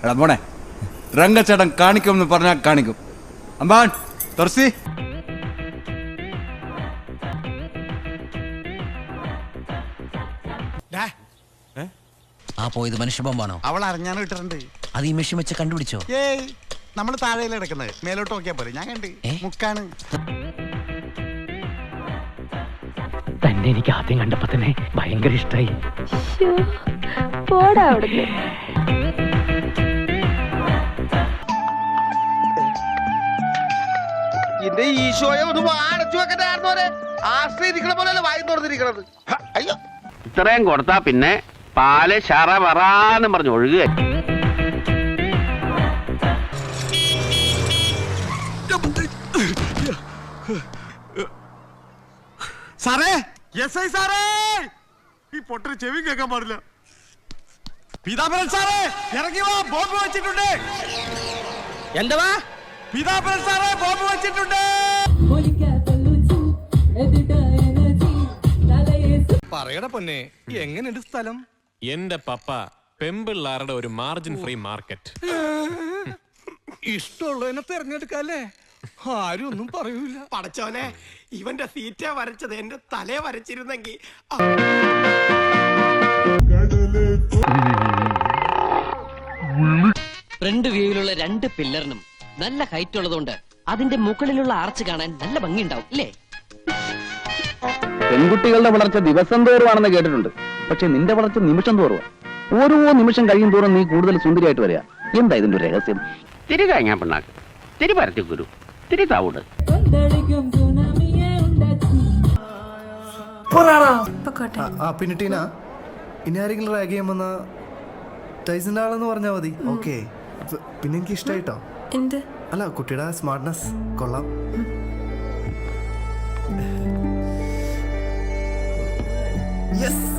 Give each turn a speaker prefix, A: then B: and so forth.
A: എടാ മോനെ, രംഗച്ചേട്ടൻ കാണിക്കുമെന്ന് പറഞ്ഞാൽ കാണിക്കും. അമ്പാൻ തുറസി.
B: ആ പോയത് മനുഷ്യബോംബാണോ?
C: അവൾ അറിഞ്ഞാണ് ഇട്ടിട്ടുണ്ട്.
B: അത് ഈ മെഷീൻ വെച്ച് കണ്ടുപിടിച്ചോ?
C: ഏയ്, നമ്മള് താഴെയല്ലേ കിടക്കുന്നത്, മേലോട്ട് നോക്കിയാ പോലെ. ഞാൻ കണ്ട് മുക്കാണ്.
D: തന്നെ എനിക്ക് ആദ്യം കണ്ടപ്പോ തന്നെ ഭയങ്കര ഇഷ്ടായി.
E: പോടാ അവിടുന്ന്.
F: എന്റെ ഈശോയെ ഒന്ന് അടച്ചു വെക്കട്ടെ. ആശ്രയിരിക്കണ പോലെ വായി തുറന്നിരിക്കണത്. അയ്യോ,
G: ഇത്രയും കൊടുത്താ പിന്നെ പാല് ശറ വറാന്ന് പറഞ്ഞു ഒഴുകുക.
C: സാറേ, യെസ് സാറേ, ഈ പൊട്ടന് ചെവി കേൾക്കാൻ പാടില്ല. പീതാംബരൻ സാറേ, ഇറങ്ങി വാ, ബോംബ് വെച്ചിട്ടുണ്ട്.
F: എന്താ
C: പീതാംബരൻ സാറേ, ബോംബ് വെച്ചിട്ടുണ്ട്.
H: പറയട പൊന്നെ, എങ്ങനെയുണ്ട് സ്ഥലം?
I: എന്റെ പപ്പ പെമ്പിള്ളാരുടെ ഒരു മാർജിൻ ഫ്രീ മാർക്കറ്റ്.
H: ഇഷ്ടമുള്ളതിനെ തെരഞ്ഞെടുക്കല്ലേ, ആരും ഒന്നും പറയൂല.
F: പടച്ചോനെ, ഇവന്റെ സീറ്റ വരച്ചത് എന്റെ തലേ വരച്ചിരുന്നെങ്കിൽ.
J: ഫ്രണ്ട് വ്യൂയിലുള്ള 2 പില്ലറിനും നല്ല ഹൈറ്റ് ഉള്ളതുകൊണ്ട് അതിന്റെ മുകളിലുള്ള ആർച്ച് കാണാൻ നല്ല ഭംഗിയുണ്ടാവും അല്ലേ?
G: പെൺകുട്ടികളുടെ വളർച്ച ദിവസം തോറുവാണെന്ന് കേട്ടിട്ടുണ്ട്. പക്ഷെ നിന്റെ വളർച്ച നിമിഷം തോറുവാ. ഓരോ നിമിഷം കഴിയും തോറും നീ കൂടുതൽ സുന്ദരിയായിട്ട് വരിക. എന്താ ഇതിന്റെ ഒരു രഹസ്യം? തിരി കഴിഞ്ഞാ പിണ്ണാക്ക്, തിരി പരത്തി കുരു, തിരി താവൂട്.
K: പിന്നെ ടീന, ഇനി ആരെങ്കിലും റാഗ് ചെയ്യുമ്പോ ടൈസിന്റെ ആളെന്ന് പറഞ്ഞാൽ മതി. ഓക്കെ. പിന്നെ എനിക്ക് ഇഷ്ടായിട്ടോ. അല്ല, കുട്ടിയുടെ സ്മാർട്ട്നെസ് കൊള്ളാം. യെസ്.